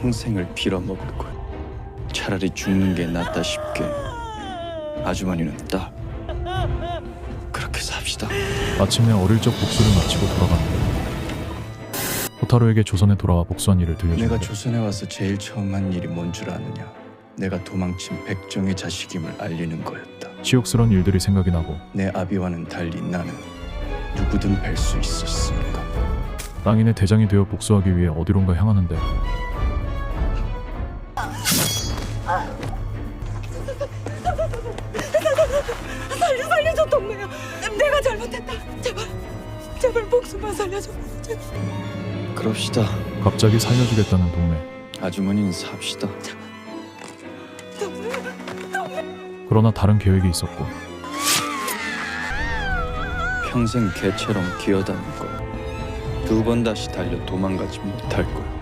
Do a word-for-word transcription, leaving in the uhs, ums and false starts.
평생을 빌어먹을 거야. 차라리 죽는 게 낫다 싶게. 아주머니는 딱 그렇게 삽시다. 마침내 어릴 적 복수를 마치고 돌아가는데 호타루에게 조선에 돌아와 복수한 일을 내가 들려주는데 조선에 와서 제일 처음 한 일이 뭔 줄 아느냐? 내가 도망친 백정의 자식임을 알리는 거였다. 치욕스러운 일들이 생각이 나고 내 아비와는 달리 나는 누구든 뵐 수 있었으니까. 땅인의 대장이 되어 복수하기 위해 어디론가 향하는데 살려 살려줘 동무야. 내가 잘못했다. 제발 제발 목숨만 살려줘. 제발. 그럽시다. 갑자기 살려주겠다는 동네. 아주머니는 삽시다. 그러나 다른 계획이 있었고 평생 개처럼 기어다닐 거야. 두 번 다시 달려 도망가지 못할 거야.